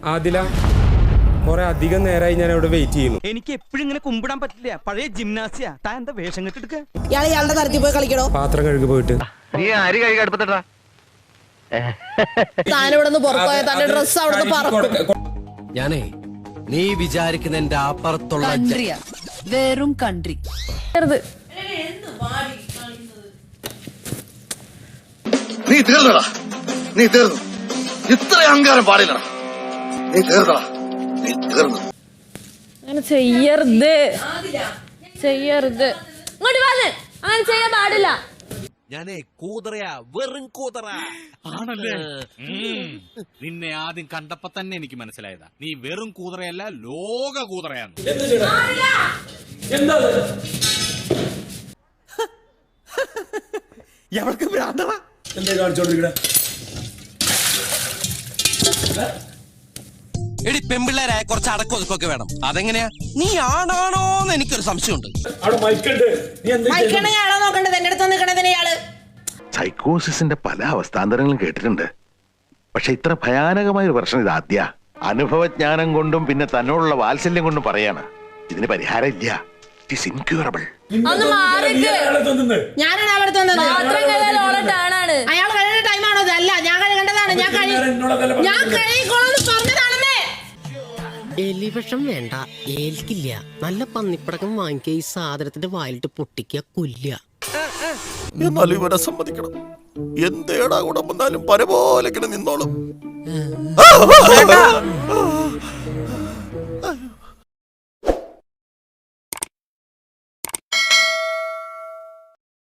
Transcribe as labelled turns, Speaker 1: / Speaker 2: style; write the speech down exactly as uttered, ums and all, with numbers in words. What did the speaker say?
Speaker 1: ആദില, കുറെ അധികം നേരമായി ഞാൻ ഇവിടെ വെയിറ്റ് ചെയ്യുന്നു.
Speaker 2: എനിക്ക് എപ്പോഴും ഇങ്ങനെ കുമ്പിടാൻ പറ്റില്ല. പഴയ ജിംനാസിയ. താൻ എന്താ വേഷം കെട്ടിട്ട്
Speaker 3: ഇയാളെ ഇയാളുടെ തരത്തിൽ പോയി കളിക്കണോ?
Speaker 1: പാത്രം കഴുകി പോയിട്ട്
Speaker 4: നീ അരി കഴുകി അടുപ്പത്തിട്ടാ.
Speaker 3: താനിവിടെ നിന്ന് പുറത്തുപോയ തന്റെ ഡ്രസ് അവിടെ പറക്കും.
Speaker 5: ഞാനേ നീ വിചാരിക്കുന്ന എന്റെ അപ്പുറത്തുള്ള
Speaker 6: വെറും കൺട്രി.
Speaker 7: നീ തീർന്നടാ, നീ തീർന്നു. ഇത്ര അഹങ്കാരം പാടില്ലടാ. നീ തീർന്നടാ, നീ തീർന്നു.
Speaker 8: അങ്ങനെ ചെയ്യരുത്, ചെയ്യരുത്. ഇങ്ങോട്ട് വന്ന് അങ്ങനെ ചെയ്യാൻ പാടില്ല.
Speaker 5: ഞാനേ കൂതറയാ, വെറും കൂതറ
Speaker 9: ആണല്ലേ? നിന്നെ ആദ്യം കണ്ടപ്പോ തന്നെ എനിക്ക് മനസ്സിലായതാ നീ വെറും കൂതറയല്ല, ലോക കൂതറയാണ്.
Speaker 2: എവർക്ക് ഭ്രാന്തടാ.
Speaker 1: എന്താ കാണിച്ചോണ്ടിരിക്കണേ?
Speaker 5: എടി പെമ്പിള്ളേരായ കുറച്ച് അടക്കൊതുക്കൊക്കെ വേണം. അതെങ്ങനെയാ? നീ ആണാണോന്ന് എനിക്കൊരു സംശയമുണ്ട്.
Speaker 3: മൈക്കണയാളോ നോക്കണ്ടത്? എന്റെ അടുത്ത് നിൽക്കണതിന് ഇയാള്
Speaker 4: സൈക്കോസിന്റെ പല അവസ്ഥാന്തരങ്ങളും കേട്ടിട്ടുണ്ട്. പക്ഷെ ഇത്ര ഭയാനകമായ ഒരു പ്രശ്നം ഇത് ആദ്യ. അനുഭവജ്ഞാനം കൊണ്ടും പിന്നെ തന്നോടുള്ള വാത്സല്യം കൊണ്ടും പറയാണ് ഇതിന് പരിഹാരം ഇല്ല. It is incurable.
Speaker 8: ഒന്ന് മാറിക്ക്.
Speaker 3: ഞാനാണ് അയാളടുത്ത് വന്നത്.
Speaker 8: പാത്രം കഴുകാൻ ഓളെ ടേണാണ്.
Speaker 3: അയാൾ കഴിയേണ്ട ടൈമാണോ? അല്ല, ഞാൻ കഴുകേണ്ടതാണ്. ഞാൻ കഴി ഞാൻ കഴുകിക്കോളാന്ന് പറഞ്ഞതാണെന്നേ.
Speaker 10: എലിവിഷം വേണ്ട, ഏൽക്കില്ല. നല്ല പന്നിപ്പടക്കം വാങ്ങിക്കുക, ഈ സാധനത്തിന്റെ വായിലിട്ട് പൊട്ടിക്കുക, കൊല്ലുക.
Speaker 7: എന്നാലും ഇവരെ സമ്മതിക്കണം. എന്തേടാ കൂടെ വന്നാലും പരപോലെ നിന്നോളും.